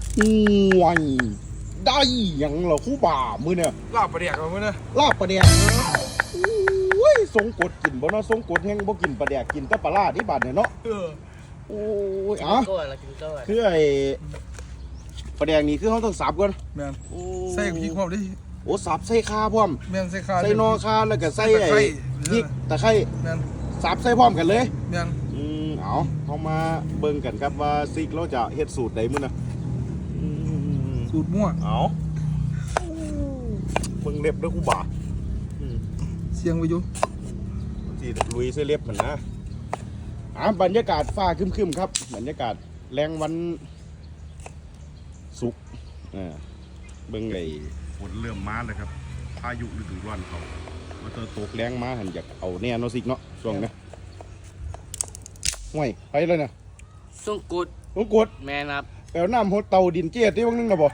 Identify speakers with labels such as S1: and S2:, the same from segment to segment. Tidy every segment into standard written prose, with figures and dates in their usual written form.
S1: ห่วยได้ยังเหรอคู่บ่ามือเนี่ย
S2: ลาบปลาแดกเอามือเนี่ย
S1: ลาบปลาแดกโอ้ยสงกดกินบ่เนาะสงกดแห้งบ่กินปลาแดกกินแต่ปลาล่าที่บ้านเนี่ยเนาะโอ้ยอ่ะคือไอ้ปลาแดกนี่คือเขาต้องสับก่อน
S2: แม่นใส่พริกพร้อมดิ
S1: โอ้สับใส่ข่าพร้อม
S2: แม่นใส่ข่า
S1: ใส่นอข่าแล้วก็ใส่ไอ้พริกตะไคร้
S2: แม่น
S1: สับใส่พร้อมกันเลย
S2: แม่น
S1: เอามาเบิ่งกันครับว่าซิกเราจะเฮ็ดสูตรใดมื้อน่ะ
S2: สูตรมั่ว
S1: เอาเบิ่งเล็บด้วยกูบ่า
S2: เสียงไปอยู่
S1: สิลุยเสื้อเล็บมันนะบรรยากาศฟ้าครึมๆครับบรรยากาศแรงวันศุกร์เบิ่งไอ้ฝนเริ่มมาแล้วครับพายุฤดูร้อนเขามาตกแรงมาหันอยากเอาแน่เนาะซิกเนาะช่วงนี้ห่วยไปเลยนะ
S3: ส่งกดแม่ครับ
S1: แปลวน้ำหดเตาดินเจี๊ยดที่วันนึงนะบ่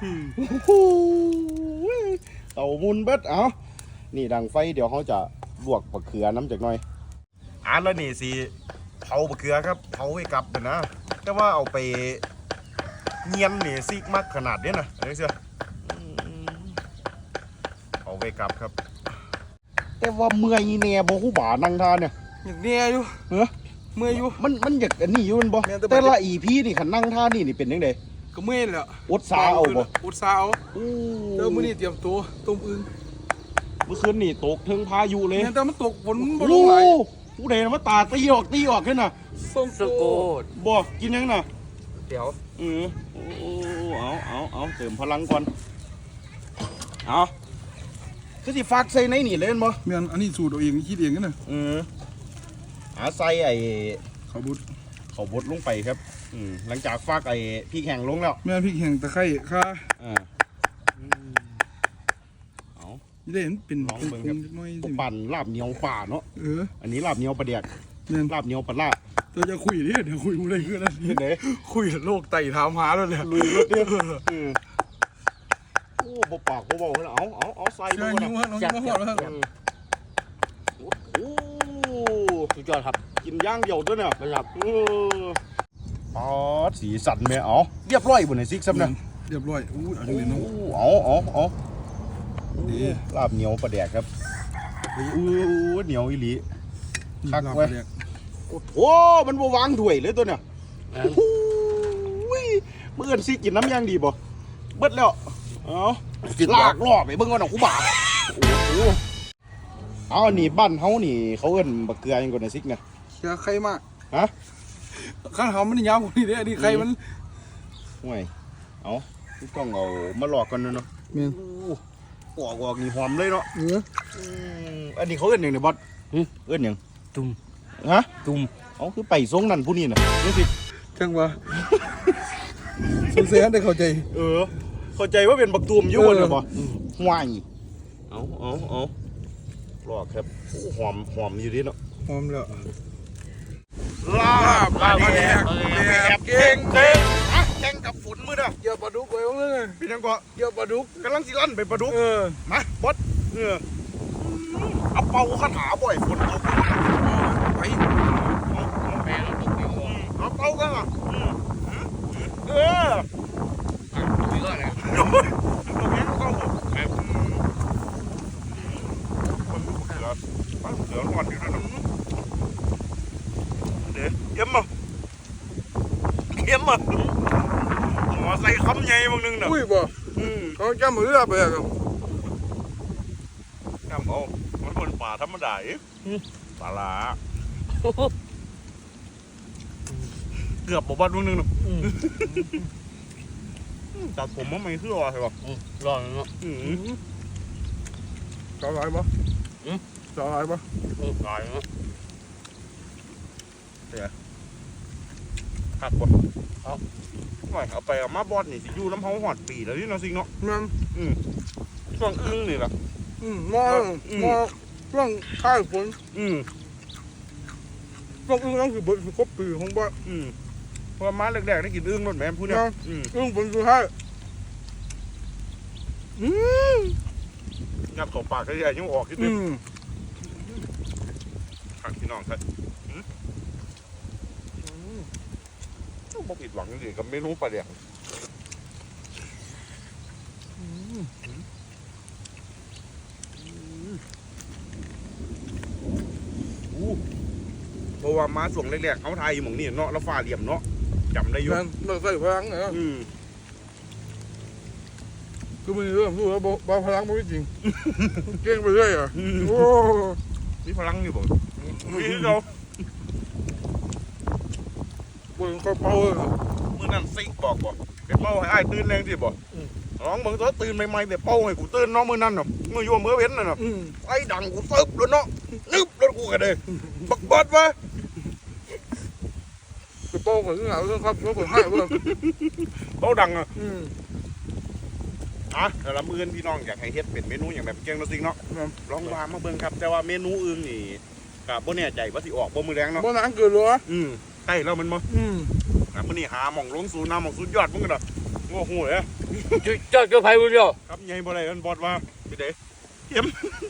S1: เตามุนเบ็ดนี่ดังไฟเดี๋ยวเขาจะลวกบะเขือน้ำจากหน่อยแล้วนี่สิเผาบะเขือครับเผาไว้กลับเดี๋ยวนะแต่ว่าเอาไปเงียนนี่ซิกมากขนาดนี้นะอะไรเสียเอาไว้กลับครับแต่ว่าเมื่อยแน่บ่คู่บ่านั่งทานเนี่ย
S2: อย่างเนี้ยอยู่เมื่อยอยู่
S1: มันอยากอันนี้อยู่มันบ่แต่ละอีพีนี่ขันนั่งท่านี่เป็นยังไง
S2: ก็เมื่อยแหละ
S1: อดซาเอาบ่
S2: อดซาเอาเดี๋ยวมื้อนี้เตรียมตัวต้มอึ่ง
S1: เมื่อคืนนี่ตกถึงพายุเลย
S2: แต่มันตกฝนบ่ลงไหล
S1: ผู้ใดมาตาตีออกขึ้นน่ะ
S2: ส่งโกด
S1: บ่กินยังน่ะ
S2: เดี๋ยว
S1: เอาเติมพลังก่อนคือสิฟักใส่ในนี่เลยบ่
S2: แม่นอันนี้สูตรเอาเองคิดเองกันน่ะ
S1: ใส่ไอ้
S2: ข้าวบด
S1: ลงไปครับหลังจากฟักไอ้พริกแห้งลงแล้ว
S2: แม่พริกแห้งตะไคร้ข่านี่ได้เห็นเป็น
S1: ลองเบิ่งครับปั่นลาบเหนียวป่าเนาะอันนี้ลาบเหนียวปลาแดกลาบเหนียวปลาล่า
S2: เราจะคุยดิเดี๋ยวคุยอะไรกันนะคุยโลกไต่ถามหาแล้วเนี่ย
S1: ลุยรถเนี่ยโอ้บ่ปากบ่บอกเลยเอาใส่ลง
S2: นะจัดแล้ว
S3: สุดยอดครับ
S1: กินย่างเดียวด้วยเนี่ย
S3: ครับ
S1: สีสันแม่เรียบร้อยบนไอ้ซิกซ้ำนะ
S2: เรียบร้อยอันนี้เนาะ
S1: เอาลาบเหนียวปลาแดกครับเหนียวอีหลีคักไว้โอ้มันวางถ้วยเลยตัวเนี่ยเมื่อซิกกินน้ำย่างดีบ่เบิดแล้วลากล่อไปเบิ่งก่อนนะคู่บ่านี่บ้านเฮานี่เขาเอิ้นบักเกลือยังก่อนไอ้ซิกเนี่ย
S2: เกลือไข่มากข้างเขามันยาวกว่านี้เด้อนี่ไข่มัน
S1: ห่วยต้องเอามาหลอกกันเนาะออกนี่หอมเลยเนาะอันนี้เขาเอิ้นอย่างเนี่ยบอสเอิ้นอย่าง
S3: ตุ่ม
S1: ตุ่มคือไปทรงนั่นผู้นี้น่ะนี่สิ
S2: จังวะสงสัยได้เข้าใจ
S1: เข้าใจว่าเป็นบักตูมอยู่บนเนี่ยบ่ห่วยหลอกครับหอมอยู่ดิเนาะ
S2: หอมแล้ว
S1: ลาบแอบเก่งแข่งกับฝนมือเด้อ
S2: เกี่ยวปลาดุกไว้บ้างเลย
S1: พี่นังก็
S2: เกี่ยวปลาดุก
S1: กำลังสิลั่นไปปลาดุกมาบดเอาเป่าคาถาบ่อยฝนตก
S2: ไป
S3: แป้งตกอยู่
S1: เอาเป่ากันอ่ะ
S3: คุยก่อนนะ
S1: ตรงนี้ก็เหลือก่อนอยู่ด้วยนะเดี๋ยวเยี่ยมใส่คำใหญ่บางนึงน่ะ
S2: อุ้ยบ่เขาจำมือไปอ่ะ
S1: จำมันเป็นป่าธรรมดาปลาละเกือบบอกบ้านบางนึงน่ะตัดผมว่าไม่คืออะไรใช่ป่ะ
S3: ร้อนเนาะ
S2: สลายปะสลายปะ
S3: ลายเนาะ
S1: เดี๋ยวหักปะเอาไปเอามาบอดนี่สิอยู่น้ำเขาหอดปีแล้วนี่เนาะสิเนาะ
S2: นั่น
S1: ช่วงอึ้งนี่แหละ
S2: มอช่วงข้าวฝนช่วงอึ้งนั่นคือบทครบปีของบ้าน
S1: พอมาแรกๆได้กินอึ้งรถแม่พูดเนี่ย
S2: อึ้งฝนคือให้
S1: งับเข้าปากใหญ่ๆยังออกนิดนึงขังพี่น้องครับบ่ผิดหวังจริงๆกับเมนูปลาแดกว่ามาช่วงแรกๆเขาทายอยู่หม่องนี้เนาะแล้วฟ้าเหลี่ยมเนาะจำได้อยู่
S2: แม่นเลิกใส่พลังนะ
S1: อืม
S2: คือมันเรื่องรู้แล้วบางพลังมันไม่จริงเก่งไปเรื่อยอ่ะโอ้
S1: มีพลังอยู่บ่มีเรา
S2: บนกระเป๋าเลย
S1: มื้อนั้นซิกบอกบ่ไปเป้าให้อ้ายตื่นแรงสิบ่น้องมึงตัวตื่นใหม่ๆแต่เป้าให้กูตื่นเนาะมื้อนั้นน่ะมื้ออยู่มื้อเว้นน่ะไอ้ดังกูซึบแล้วเนาะนึบแล้วกูก็ได้บักบอดวะ
S2: กระเป๋าเหมือนหนาวเรื่องครับช่วยผมให้เพื่อน
S1: เป้าดังอ่ะแต่ละมื้อพี่น้องอยากให้เฮ็ดเป็นเมนูอย่างแบบเก่งเนาะสิเนาะลองวางมาเบิ่งครับแต่ว่าเมนูอื่นนี่ก็บ่แน่ใจว่าสิออกบ่มื้อแรงเนาะ
S2: บ่นานเกินเลย
S1: ใช่แล้วมันบ่มื้อนี้หาหม่องลงสู่น้ำหม่องสุดยอดมึงก็ดอกโอ้โหเอ้ย
S3: เจ้าเจ้าไผ่บุญเดียว
S1: ครับใหญ่บ่ได้มันบอดว่าไปเด้เข็ม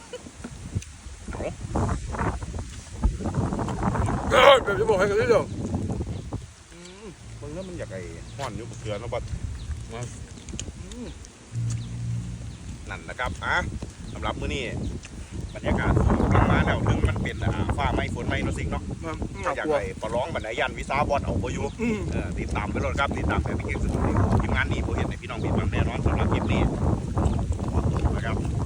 S2: แบบจะบอกให้กันได้เดี๋ยว
S1: มึงแล้วมันอยากไอ้ห่อนอยู่บกเกลือเนาะบอดนั่นนะครับสำหรับมื้อนี้บรรยากาศกลับมาแล้วถึงมันเป็นฟ้าไหม้ฝนไหม้เนาะสิงเนาะถ้าอยากไปประลองบันไดยันวิสาบอลเอาบ่อยู่ติดตามไปรถครับติดตามไปเก่งสุดทีมงานนี้บ่เห็นให้พี่น้องผิดหวังแน่นอนสำหรับคลิปนี้ขอตัวนะครับ